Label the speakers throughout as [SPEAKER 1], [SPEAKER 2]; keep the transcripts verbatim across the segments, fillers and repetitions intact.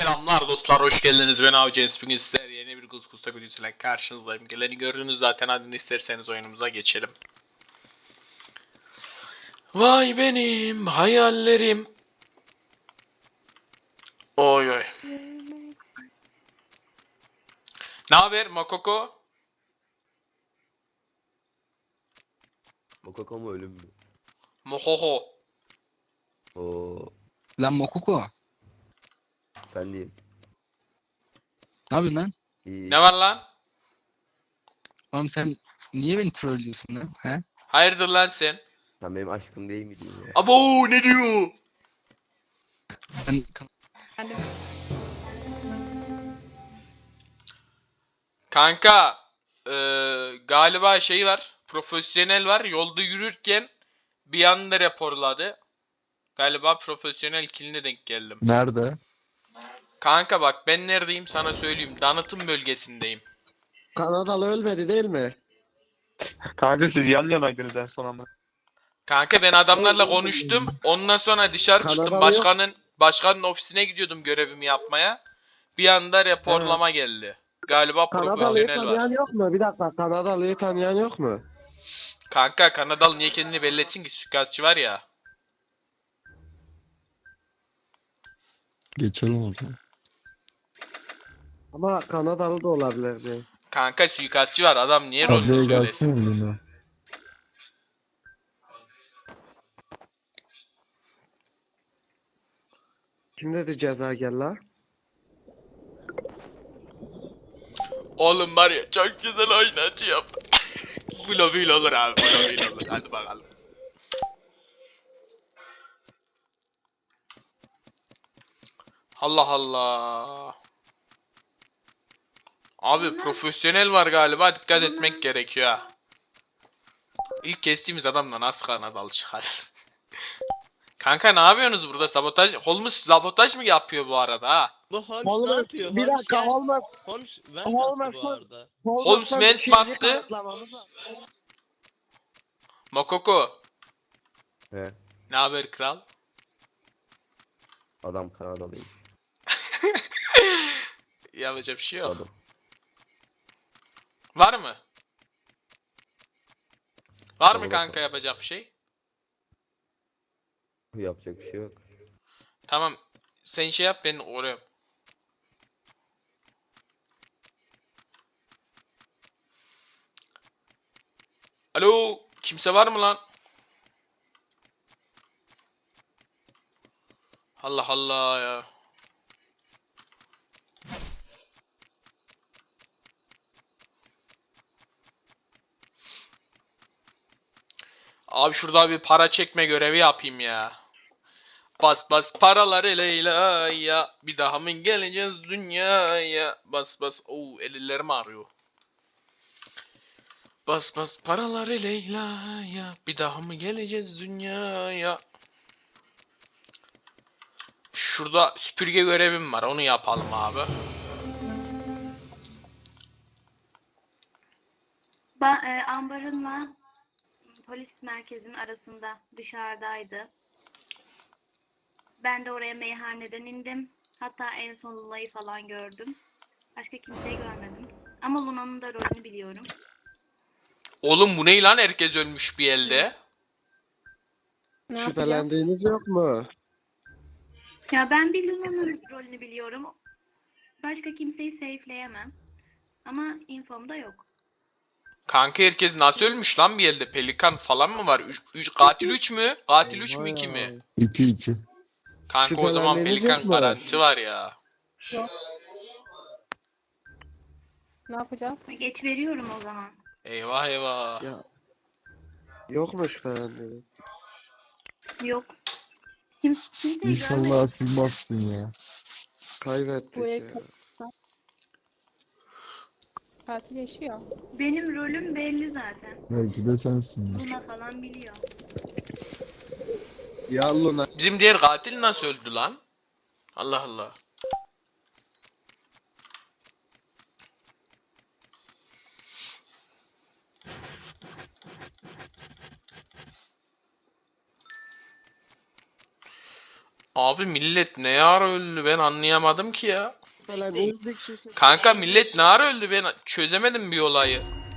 [SPEAKER 1] Selamlar dostlar, hoş geldiniz. Ben Avcı Bugün sizlerle yeni bir Guzguz'da videosuyla karşınızdayım. Geleni gördünüz zaten, hadi isterseniz oyunumuza geçelim. Vay benim hayallerim. Oy oy. Ne haber Makoko?
[SPEAKER 2] Mokoko mu ölüm mü?
[SPEAKER 1] Mohoho.
[SPEAKER 2] Oo,
[SPEAKER 3] Lan Mokoko.
[SPEAKER 2] ben diyeyim.
[SPEAKER 3] Ne yapıyorsun lan?
[SPEAKER 2] İyi.
[SPEAKER 1] Ne var lan?
[SPEAKER 3] Oğlum sen niye beni trollüyorsun lan? He?
[SPEAKER 1] Hayırdır lan sen?
[SPEAKER 2] Sen benim aşkım değil miydin ya?
[SPEAKER 1] Abo ne diyor?
[SPEAKER 3] Ben
[SPEAKER 1] Kanka eee, galiba şey var, profesyonel var, yolda yürürken bir anda raporladı. Galiba profesyonel killine denk geldim.
[SPEAKER 4] Nerede?
[SPEAKER 1] Kanka bak, ben neredeyim sana söyleyeyim. Danıtım bölgesindeyim.
[SPEAKER 5] Kanadalı ölmedi değil mi?
[SPEAKER 4] Kanka siz yan yanaydınız en son ama.
[SPEAKER 1] Kanka ben adamlarla konuştum. Ondan sonra dışarı çıktım.
[SPEAKER 5] Kanadalı
[SPEAKER 1] Başkanın başkanın ofisine gidiyordum görevimi yapmaya. Bir anda raporlama geldi. Galiba
[SPEAKER 5] Kanadalı'yı
[SPEAKER 1] profesyonel
[SPEAKER 5] tanıyan
[SPEAKER 1] var.
[SPEAKER 5] yok mu? Bir dakika, Kanadalı'yı tanıyan yok mu?
[SPEAKER 1] Kanka Kanadalı niye kendini belli etsin ki? Suikastçı var ya.
[SPEAKER 4] Geçelim o zaman.
[SPEAKER 5] Ama Kanadalı da olabilirdi.
[SPEAKER 1] Kanka suikastçı var. Adam niye rolünü
[SPEAKER 4] Ablaya
[SPEAKER 1] söylesin?
[SPEAKER 4] gelsin mi yine?
[SPEAKER 5] Kim dedi ceza gel la?
[SPEAKER 1] Oğlum var ya, çok güzel oynayacağım. Bu lobiyle olur abi. Bu lobiyle olur. Hadi bakalım. Allah Allah. Abi profesyonel var galiba, dikkat etmek gerekiyor ha. İlk kestiğimiz adamla nasıl Kanadalı çıkar? Kanka ne yapıyorsunuz burada, sabotaj? Holmes sabotaj mı yapıyor bu arada ha?
[SPEAKER 6] Bu Holmes
[SPEAKER 5] Holmes,
[SPEAKER 6] ne yapıyor?
[SPEAKER 5] bir
[SPEAKER 6] Holmes
[SPEAKER 5] dakika
[SPEAKER 6] gel.
[SPEAKER 5] Holmes.
[SPEAKER 6] Holmes vent
[SPEAKER 5] Holmes-
[SPEAKER 6] attı bu arada.
[SPEAKER 1] Holmes vent
[SPEAKER 5] ikinci
[SPEAKER 1] baktı.
[SPEAKER 5] kanıtlamamız lazım.
[SPEAKER 1] Makoko.
[SPEAKER 2] He,
[SPEAKER 1] Ne haber kral?
[SPEAKER 2] adam Kanadalıyım.
[SPEAKER 1] Yapacak bir şey yok.
[SPEAKER 2] Adam.
[SPEAKER 1] Var mı? Var mı
[SPEAKER 2] Olur
[SPEAKER 1] kanka
[SPEAKER 2] bakalım.
[SPEAKER 1] yapacak bir şey?
[SPEAKER 2] Yapacak bir şey yok.
[SPEAKER 1] Tamam. Sen şey yap, ben uğrayayım. Alo, kimse var mı lan? Allah Allah ya. Abi şurada bir para çekme görevi yapayım ya. Bas bas paraları Leyla ya. Bir daha mı geleceğiz dünyaya? Bas bas. Oo, ellerim ağrıyor. Bas bas paraları Leyla ya. Bir daha mı geleceğiz dünyaya? Şurada süpürge görevim var. Onu yapalım abi.
[SPEAKER 7] Ben e, ambarınla polis merkezinin arasında dışarıdaydı. Ben de oraya meyhaneden indim. Hatta en son Luna'yı falan gördüm. Başka kimseyi görmedim. Ama Luna'nın da rolünü biliyorum.
[SPEAKER 1] Oğlum bu ne lan? Herkes ölmüş bir elde.
[SPEAKER 5] Şüphelendiğiniz yok mu?
[SPEAKER 7] Ya ben bir Luna'nın rolünü biliyorum. Başka kimseyi safe'leyemem. Ama infom da yok.
[SPEAKER 1] Kanka herkes nasıl ölmüş lan bir elde? Pelikan falan mı var? Üç, üç, katil üç mü? Katil üç mü iki mi?
[SPEAKER 4] iki iki.
[SPEAKER 1] Kanka o zaman
[SPEAKER 5] Şüphelendiğiniz
[SPEAKER 1] Pelikan
[SPEAKER 5] yok mu?
[SPEAKER 1] garanti var ya.
[SPEAKER 8] Ne yapacağız?
[SPEAKER 7] Geç veriyorum o zaman.
[SPEAKER 1] Eyvah eyvah.
[SPEAKER 5] Ya. Yok mu şüphelendiğiniz?
[SPEAKER 7] Yok. Kim, kimseyi görmedim.
[SPEAKER 4] İnşallah silmezsin ya.
[SPEAKER 5] Kaybettik
[SPEAKER 8] Bu
[SPEAKER 5] ya.
[SPEAKER 8] el katil yaşıyor.
[SPEAKER 7] Benim rolüm belli zaten.
[SPEAKER 4] Belki de sensin.
[SPEAKER 7] Luna falan biliyor.
[SPEAKER 5] Ya Luna.
[SPEAKER 1] Bizim diğer katil nasıl öldü lan? Allah Allah. Abi millet ne ara öldü ben anlayamadım ki ya.
[SPEAKER 5] Şüphelendiğiniz bir kişi.
[SPEAKER 1] Kanka millet ne ara öldü ben çözemedim bir olayı.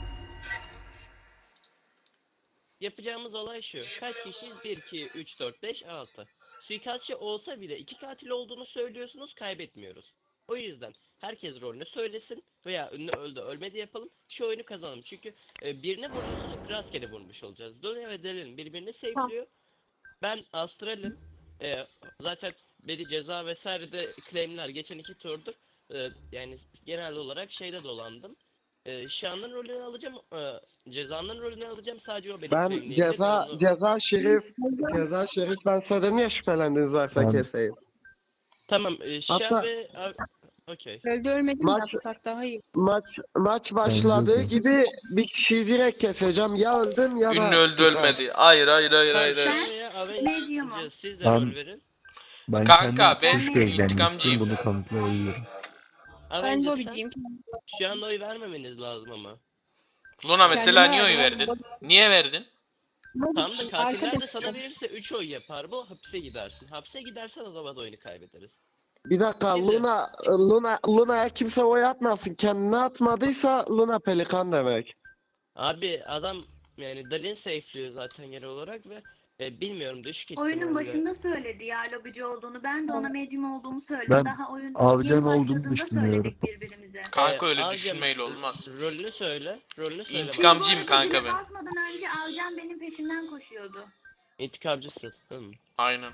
[SPEAKER 6] Yapacağımız olay şu. Kaç kişiyiz? bir, iki, üç, dört, beş, altı. Suikastçı olsa bile iki katil olduğunu söylüyorsunuz, kaybetmiyoruz. O yüzden herkes rolünü söylesin veya ünlü öldü ölmedi yapalım. Şu oyunu kazanalım. Çünkü e, birine vurursak rastgele vurmuş olacağız. Donya ve Delin birbirini safe'liyor. Ben Astral'im. E, zaten beni ceza vesaire de claimler geçen iki turdur. E, yani genel olarak şeyde dolandım. E, Şan'ın rolünü alacağım. E, cezanın rolünü alacağım. Sadece o beni
[SPEAKER 5] Ben
[SPEAKER 6] claimleyecek.
[SPEAKER 5] ceza
[SPEAKER 6] Onu-
[SPEAKER 5] ceza şerif ceza şerif ben söyledim ya şüphelendiğiniz varsa
[SPEAKER 3] Tamam.
[SPEAKER 5] keseyim.
[SPEAKER 6] Tamam. E, Şan
[SPEAKER 5] Hatta-
[SPEAKER 6] ve... a- Okey.
[SPEAKER 8] Öldü ölmedi mi
[SPEAKER 5] Maç-
[SPEAKER 8] yapsak daha iyi.
[SPEAKER 5] Maç maç başladığı
[SPEAKER 3] Bence de.
[SPEAKER 5] gibi bir kişiyi direkt keseceğim. Ya öldüm ya da
[SPEAKER 1] Ünlü öldü ölmedi. Hayır hayır hayır hayır.
[SPEAKER 6] Tamam,
[SPEAKER 1] hayır.
[SPEAKER 6] Şan veya Avenger,
[SPEAKER 7] Medium'um.
[SPEAKER 6] siz de
[SPEAKER 3] Tamam.
[SPEAKER 6] rol verin.
[SPEAKER 3] Ben
[SPEAKER 1] Kanka,
[SPEAKER 3] kendim
[SPEAKER 1] ben
[SPEAKER 3] kuş gözlemliyim.
[SPEAKER 1] intikamcıyım.
[SPEAKER 3] Bunu kanıtlayabilirim.
[SPEAKER 8] Ben
[SPEAKER 6] Avenger,
[SPEAKER 8] lobbyciyim.
[SPEAKER 6] sen şu anda oy vermemeniz lazım ama.
[SPEAKER 1] Luna mesela
[SPEAKER 8] Kendime
[SPEAKER 1] niye oy
[SPEAKER 8] verdim.
[SPEAKER 1] verdin? Niye verdin?
[SPEAKER 6] Tam da katiller de
[SPEAKER 8] Arkadaşlar.
[SPEAKER 6] sana verirse üç oy yapar bu, hapse gidersin. Hapse gidersen o zaman oyunu kaybederiz.
[SPEAKER 5] Bir dakika
[SPEAKER 6] Bir de-
[SPEAKER 5] Luna Luna Luna'ya kimse oy atmasın. Kendine atmadıysa Luna pelikan demek.
[SPEAKER 6] Abi adam yani Dalin safe'liyor zaten genel olarak ve e, bilmiyorum düşük
[SPEAKER 7] Oyunun
[SPEAKER 6] ihtimalle.
[SPEAKER 7] başında söyledi ya lobici olduğunu. Ben de ona medium olduğumu söyledim.
[SPEAKER 3] Ben
[SPEAKER 7] Daha oyun
[SPEAKER 3] Avcan
[SPEAKER 7] yeni
[SPEAKER 3] olduğumu
[SPEAKER 7] başladığında
[SPEAKER 3] düşünüyorum.
[SPEAKER 7] söyledik birbirimize.
[SPEAKER 1] Kanka
[SPEAKER 6] Ee,
[SPEAKER 1] öyle
[SPEAKER 6] Avcım,
[SPEAKER 1] düşünmeyle olmaz.
[SPEAKER 6] Rolünü söyle. Rolünü söyle.
[SPEAKER 1] İntikam-
[SPEAKER 6] bana.
[SPEAKER 1] Amcayım
[SPEAKER 7] Bu arada
[SPEAKER 1] kanka
[SPEAKER 7] zile
[SPEAKER 1] ben.
[SPEAKER 7] basmadan önce Avcan benim peşimden koşuyordu.
[SPEAKER 6] İntikamcısın. Hı.
[SPEAKER 1] Aynen.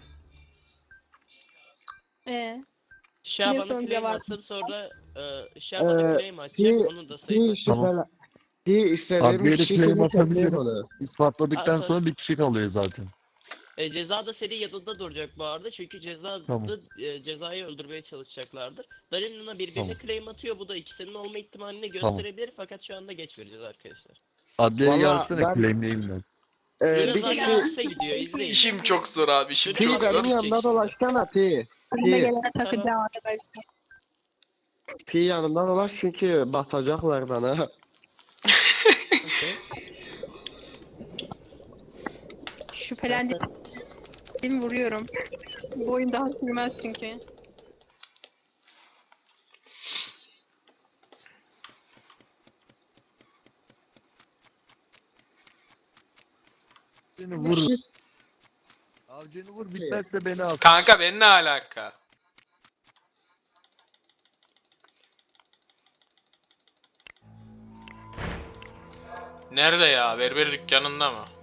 [SPEAKER 8] Ee,
[SPEAKER 6] Şah
[SPEAKER 8] Ne
[SPEAKER 6] bana
[SPEAKER 8] sonuca
[SPEAKER 6] claim
[SPEAKER 8] var?
[SPEAKER 6] atsın sonra e, Şah bana
[SPEAKER 5] Ee,
[SPEAKER 6] claim atacak
[SPEAKER 5] bir-
[SPEAKER 6] onun da
[SPEAKER 5] Bir
[SPEAKER 6] sayı
[SPEAKER 5] şüphelen bir istediğim
[SPEAKER 3] Adliye de
[SPEAKER 5] kişi
[SPEAKER 3] claim
[SPEAKER 5] kimi
[SPEAKER 3] atabilirim.
[SPEAKER 5] keseyim onu.
[SPEAKER 3] İspatladıktan
[SPEAKER 6] Aa,
[SPEAKER 3] sonra bir kişi kalıyor zaten.
[SPEAKER 6] E, ceza da senin yanında duracak bu arada çünkü ceza
[SPEAKER 3] Tamam.
[SPEAKER 6] da e, cezayı öldürmeye çalışacaklardır. Dalin Luna birbirine
[SPEAKER 3] Tamam.
[SPEAKER 6] claim atıyor bu da ikisinin olma ihtimalini
[SPEAKER 3] Tamam.
[SPEAKER 6] gösterebilir fakat şu anda geç vereceğiz arkadaşlar.
[SPEAKER 3] Adliyeye
[SPEAKER 5] Vallahi
[SPEAKER 3] gelsene
[SPEAKER 5] ben-
[SPEAKER 3] claimleyeyim ben.
[SPEAKER 5] Ee,
[SPEAKER 6] Luna
[SPEAKER 5] bir
[SPEAKER 6] zaten
[SPEAKER 5] kişi
[SPEAKER 6] hapse gidiyor izleyin.
[SPEAKER 1] İşim çok zor abi işim
[SPEAKER 5] Pi
[SPEAKER 1] çok
[SPEAKER 5] benim
[SPEAKER 1] zor.
[SPEAKER 5] yanımda dolaşsana Pi.
[SPEAKER 8] önüme
[SPEAKER 5] Pi,
[SPEAKER 8] gelene takacağım arkadaşlar.
[SPEAKER 5] Pi yanımda dolaş çünkü batacaklar bana.
[SPEAKER 6] Okey.
[SPEAKER 8] Şüphelendim. Vuruyorum. Bu oyun daha sürmez çünkü.
[SPEAKER 3] Seni vur. Avcını vur bitmezse beni al.
[SPEAKER 1] Kanka ben ne alaka? Nerede ya? Berber dükkanında mı?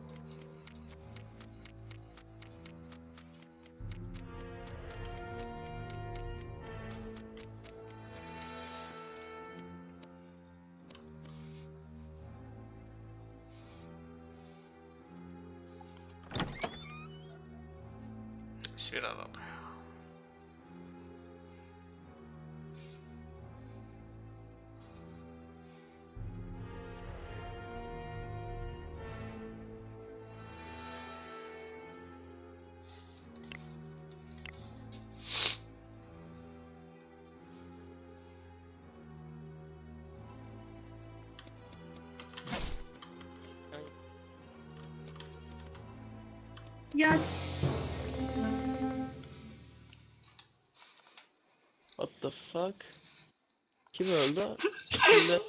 [SPEAKER 1] Bir adam.
[SPEAKER 7] Ya
[SPEAKER 6] What the fuck? Kim öldü? Şimdi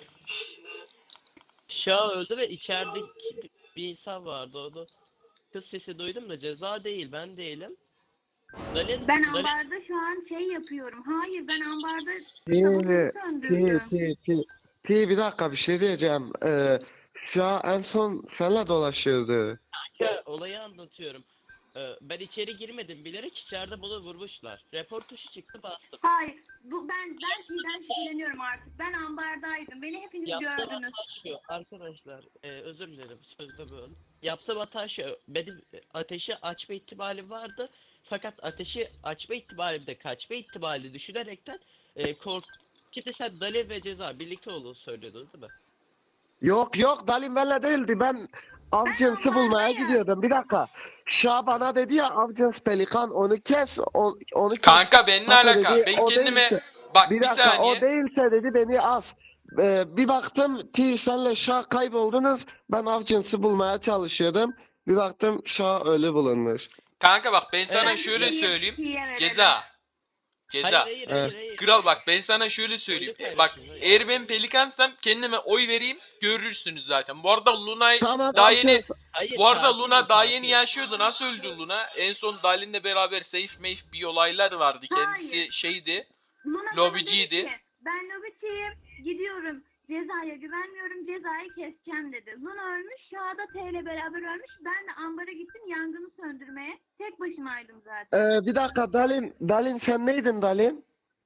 [SPEAKER 6] Şah öldü ve içeride ki- bir insan vardı o da kız sesi duydum da ceza değil ben değilim. Dalin,
[SPEAKER 7] ben
[SPEAKER 6] Dalin-
[SPEAKER 7] ambarda şu an şey yapıyorum. Hayır ben ambarda
[SPEAKER 5] Pi,
[SPEAKER 7] sabotajı
[SPEAKER 5] Pi,
[SPEAKER 7] söndürdüm.
[SPEAKER 5] Pi, Pi. Pi bir dakika bir şey diyeceğim. Ee, şu an en son seninle dolaşıyordu.
[SPEAKER 6] Ya, olayı anlatıyorum. Ee, ben içeri girmedim bilerek içeride bunu vurmuşlar. Repor tuşu çıktı bastım.
[SPEAKER 7] Hayır bu ben ben T'den şüpheleniyorum artık. Ben ambardaydım. Beni hepiniz
[SPEAKER 6] Yaptığım
[SPEAKER 7] gördünüz.
[SPEAKER 6] hata şu arkadaşlar e, özür dilerim sözde böyle. Yaptığım hata şu benim ateşi açma ihtimali vardı. Fakat ateşi açma ihtimalimde kaçma ihtimali düşünerekten e, kork... Şimdi sen Dali ve Ceza birlikte olduğunu söylüyordun değil mi?
[SPEAKER 5] Yok yok Dalin benimle değildi. Ben avcınsı bulmaya
[SPEAKER 7] ambardayım.
[SPEAKER 5] gidiyordum. Bir dakika. Şah bana dedi ya avcıns pelikan onu kes. O, onu kes.
[SPEAKER 1] Kanka ben ne
[SPEAKER 5] Hatta
[SPEAKER 1] alaka?
[SPEAKER 5] dedi,
[SPEAKER 1] Ben
[SPEAKER 5] o
[SPEAKER 1] kendime
[SPEAKER 5] değilse-
[SPEAKER 1] bak
[SPEAKER 5] Bir
[SPEAKER 1] bir
[SPEAKER 5] dakika o
[SPEAKER 1] saniye.
[SPEAKER 5] değilse dedi beni as. Ee, bir baktım T senle Şah kayboldunuz. Ben avcınsı bulmaya çalışıyordum. Bir baktım Şah ölü bulunmuş.
[SPEAKER 1] Kanka bak ben sana
[SPEAKER 6] Evet.
[SPEAKER 1] şöyle
[SPEAKER 7] T'ye-
[SPEAKER 1] söyleyeyim.
[SPEAKER 7] T'ye verelim.
[SPEAKER 1] Ceza.
[SPEAKER 6] Hayır
[SPEAKER 1] Ceza.
[SPEAKER 6] hayır
[SPEAKER 5] Evet.
[SPEAKER 6] hayır. hayır.
[SPEAKER 1] Kral bak ben sana şöyle söyleyeyim.
[SPEAKER 6] Oyunu
[SPEAKER 1] E, bak
[SPEAKER 6] kaybettin, hayır.
[SPEAKER 1] eğer ben pelikansam kendime oy vereyim görürsünüz zaten. Bu arada Luna'yı
[SPEAKER 5] Tamam
[SPEAKER 1] daha
[SPEAKER 5] abi,
[SPEAKER 1] yeni
[SPEAKER 6] Hayır,
[SPEAKER 1] bu arada
[SPEAKER 6] katil
[SPEAKER 1] Luna
[SPEAKER 6] bu,
[SPEAKER 1] daha
[SPEAKER 6] katil.
[SPEAKER 1] yeni yaşıyordu. Nasıl öldü Luna? En son Dalin'le beraber safe meyf bir olaylar vardı. Kendisi
[SPEAKER 7] Hayır.
[SPEAKER 1] şeydi.
[SPEAKER 7] Luna bana
[SPEAKER 1] Lobiciydi.
[SPEAKER 7] dedi ki, ben lobiciyim, gidiyorum. Cezaya güvenmiyorum, cezayı keseceğim dedi. Luna ölmüş, Şahada T ile beraber ölmüş. Ben de ambara gittim yangını söndürmeye. Tek başımaydım zaten.
[SPEAKER 5] Ee, bir dakika Dalin, Dalin sen neydin Dalin?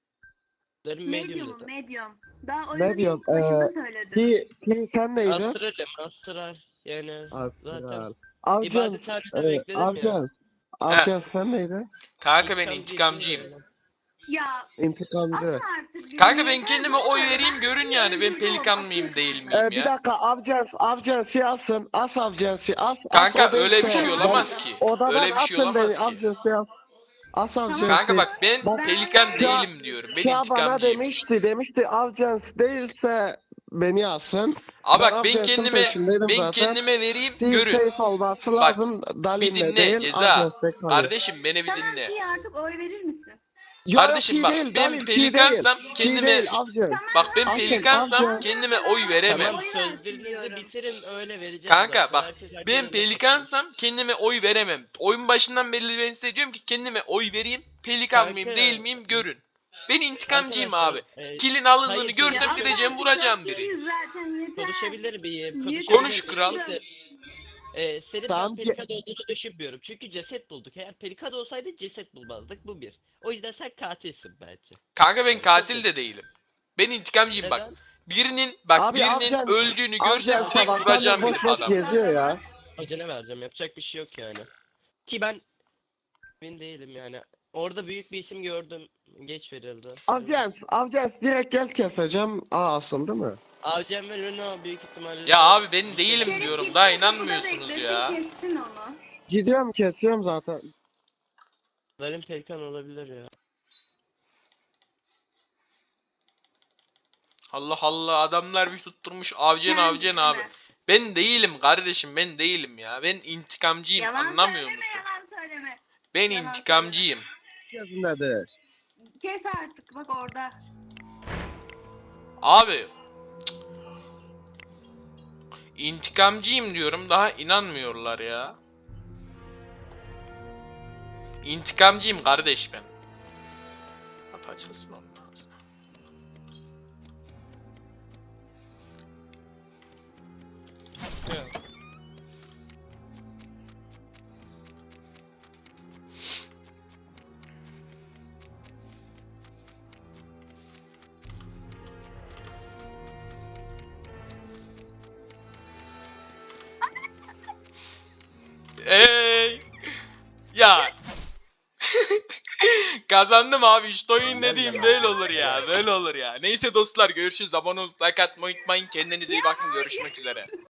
[SPEAKER 6] Benim
[SPEAKER 7] Medium'um,
[SPEAKER 6] medium'du.
[SPEAKER 7] medium. Daha oyunun
[SPEAKER 5] Medium,
[SPEAKER 7] ilk başında
[SPEAKER 5] ee,
[SPEAKER 7] söyledim.
[SPEAKER 5] Ki, ki sen neydin?
[SPEAKER 6] Astral'im, astral. Yani zaten
[SPEAKER 5] Astral. Avcın,
[SPEAKER 6] ibadethanede
[SPEAKER 5] e,
[SPEAKER 6] bekledim ya.
[SPEAKER 5] Avcın, Avcın sen neydin?
[SPEAKER 1] Kanka ben
[SPEAKER 6] İntikam
[SPEAKER 1] intikamcıyım.
[SPEAKER 6] değil yani.
[SPEAKER 7] Ya
[SPEAKER 5] İntikamcı.
[SPEAKER 7] atma artık. bir
[SPEAKER 1] Kanka ben
[SPEAKER 7] yeter,
[SPEAKER 1] kendime
[SPEAKER 7] bu
[SPEAKER 1] oy
[SPEAKER 7] kadar.
[SPEAKER 1] vereyim görün yani. Ben pelikan mıyım değil miyim
[SPEAKER 5] Ee, bir
[SPEAKER 1] ya?
[SPEAKER 5] dakika Avcın, Avcın asın, as Avcın as.
[SPEAKER 1] Kanka
[SPEAKER 5] as, o
[SPEAKER 1] öyle bir
[SPEAKER 5] değilse-
[SPEAKER 1] şey olamaz ki.
[SPEAKER 5] Odadan
[SPEAKER 1] Öyle bir şey
[SPEAKER 5] atın beni,
[SPEAKER 1] olamaz ki.
[SPEAKER 5] Avcın as. As Avcın.
[SPEAKER 1] Kanka bak ben
[SPEAKER 5] Bak-
[SPEAKER 1] pelikan
[SPEAKER 7] Ben-
[SPEAKER 1] değilim diyorum. Ben
[SPEAKER 5] Şah bana
[SPEAKER 1] intikamcıyım.
[SPEAKER 5] demişti, demişti Avcans değilse beni asın.
[SPEAKER 1] Aa bak ben
[SPEAKER 5] Avcans'ın
[SPEAKER 1] kendime
[SPEAKER 5] peşindeydim
[SPEAKER 1] ben
[SPEAKER 5] zaten.
[SPEAKER 1] kendime vereyim
[SPEAKER 5] Bir
[SPEAKER 1] görün.
[SPEAKER 5] safe olması
[SPEAKER 1] Bak,
[SPEAKER 5] lazım.
[SPEAKER 1] Bir
[SPEAKER 5] Dalin'le
[SPEAKER 1] dinle
[SPEAKER 5] değil,
[SPEAKER 1] ceza.
[SPEAKER 5] Avcans'ta kalıyor.
[SPEAKER 1] Kardeşim beni bir
[SPEAKER 7] Tamam
[SPEAKER 1] dinle.
[SPEAKER 7] ki artık oy verir misin?
[SPEAKER 5] Yok,
[SPEAKER 1] Kardeşim
[SPEAKER 5] T
[SPEAKER 1] bak
[SPEAKER 5] değil,
[SPEAKER 1] ben
[SPEAKER 5] Dalin, T
[SPEAKER 1] pelikansam
[SPEAKER 5] değil. T
[SPEAKER 1] kendime
[SPEAKER 5] değil, Avcans.
[SPEAKER 1] bak ben
[SPEAKER 5] Avcans,
[SPEAKER 1] pelikansam
[SPEAKER 5] Avcans.
[SPEAKER 1] kendime oy veremem.
[SPEAKER 6] Tamam
[SPEAKER 7] Oy versin
[SPEAKER 6] sözlerinizi
[SPEAKER 7] diyorum.
[SPEAKER 6] bitirin öyle vereceğim.
[SPEAKER 1] Kanka
[SPEAKER 6] zaten.
[SPEAKER 1] bak
[SPEAKER 6] Herkes
[SPEAKER 1] ben
[SPEAKER 6] herkesin
[SPEAKER 1] pelikansam kendime oy veremem. Oyun başından beri ben size diyorum ki kendime oy vereyim. Pelikan
[SPEAKER 6] Kanka.
[SPEAKER 1] mıyım değil miyim görün. Ben intikamcıyım abi.
[SPEAKER 6] Arkadaşlar, e,
[SPEAKER 1] Kilin alındığını
[SPEAKER 6] Hayır,
[SPEAKER 1] görsem
[SPEAKER 6] ya
[SPEAKER 1] gideceğim
[SPEAKER 7] Artık
[SPEAKER 1] vuracağım
[SPEAKER 7] dört
[SPEAKER 1] biri.
[SPEAKER 7] kişiyiz zaten yeter.
[SPEAKER 6] konuşabilir miyim?
[SPEAKER 7] Niye
[SPEAKER 6] Konuşabilir
[SPEAKER 1] Konuş
[SPEAKER 6] miyim?
[SPEAKER 1] kral.
[SPEAKER 6] Şimdi, E, senin
[SPEAKER 5] Tamam
[SPEAKER 6] ben
[SPEAKER 5] ki-
[SPEAKER 6] pelikan olduğunu düşünmüyorum. Çünkü ceset bulduk. Eğer pelikan olsaydı ceset bulmazdık. Bu bir. O yüzden sen katilsin bence.
[SPEAKER 1] Kanka ben katil de değilim. Ben intikamcıyım bak.
[SPEAKER 6] Neden?
[SPEAKER 1] Birinin bak
[SPEAKER 5] Abi
[SPEAKER 1] birinin
[SPEAKER 5] Avcans-
[SPEAKER 1] öldüğünü görsem
[SPEAKER 5] Avcans
[SPEAKER 1] tek
[SPEAKER 5] sabahtan
[SPEAKER 1] vuracağım
[SPEAKER 5] beri
[SPEAKER 1] bir
[SPEAKER 5] boş boş
[SPEAKER 1] adam.
[SPEAKER 5] geziyor ya.
[SPEAKER 6] Acele vereceğim. Yapacak bir şey yok yani. Ki ben emin değilim yani. Orada büyük bir isim gördüm. Geç verildi.
[SPEAKER 5] Avcans, Avcans direkt gel keseceğim. Aa asıl değil mi?
[SPEAKER 6] Avcem ve Luna büyük ihtimalle...
[SPEAKER 1] Ya abi ben değilim
[SPEAKER 7] Gelip
[SPEAKER 1] diyorum.
[SPEAKER 7] gitsin,
[SPEAKER 1] Daha
[SPEAKER 7] kapıda
[SPEAKER 1] inanmıyorsunuz
[SPEAKER 7] beklesin,
[SPEAKER 1] ya.
[SPEAKER 7] kessin onu.
[SPEAKER 5] Gidiyorum kesiyorum zaten.
[SPEAKER 6] Benim pelikan olabilir ya.
[SPEAKER 1] Allah Allah adamlar bir tutturmuş avcen avcen
[SPEAKER 7] Kendisine.
[SPEAKER 1] abi. Ben değilim kardeşim ben değilim ya. Ben intikamcıyım
[SPEAKER 7] Yalan
[SPEAKER 1] anlamıyor
[SPEAKER 7] söyleme,
[SPEAKER 1] musun?
[SPEAKER 7] Yalan söyleme.
[SPEAKER 1] Ben
[SPEAKER 7] yalan
[SPEAKER 1] intikamcıyım.
[SPEAKER 5] Gözünde
[SPEAKER 7] Kes artık bak orada.
[SPEAKER 1] Abi. cık. İntikamcıyım diyorum daha inanmıyorlar ya. İntikamcıyım kardeş ben. Kapı açılsın onun ağzına. Ey! Ya. Kazandım abi işte oyun dediğim böyle olur ya böyle olur ya. Neyse dostlar görüşürüz abone olup like atmayı unutmayın kendinize iyi bakın görüşmek üzere.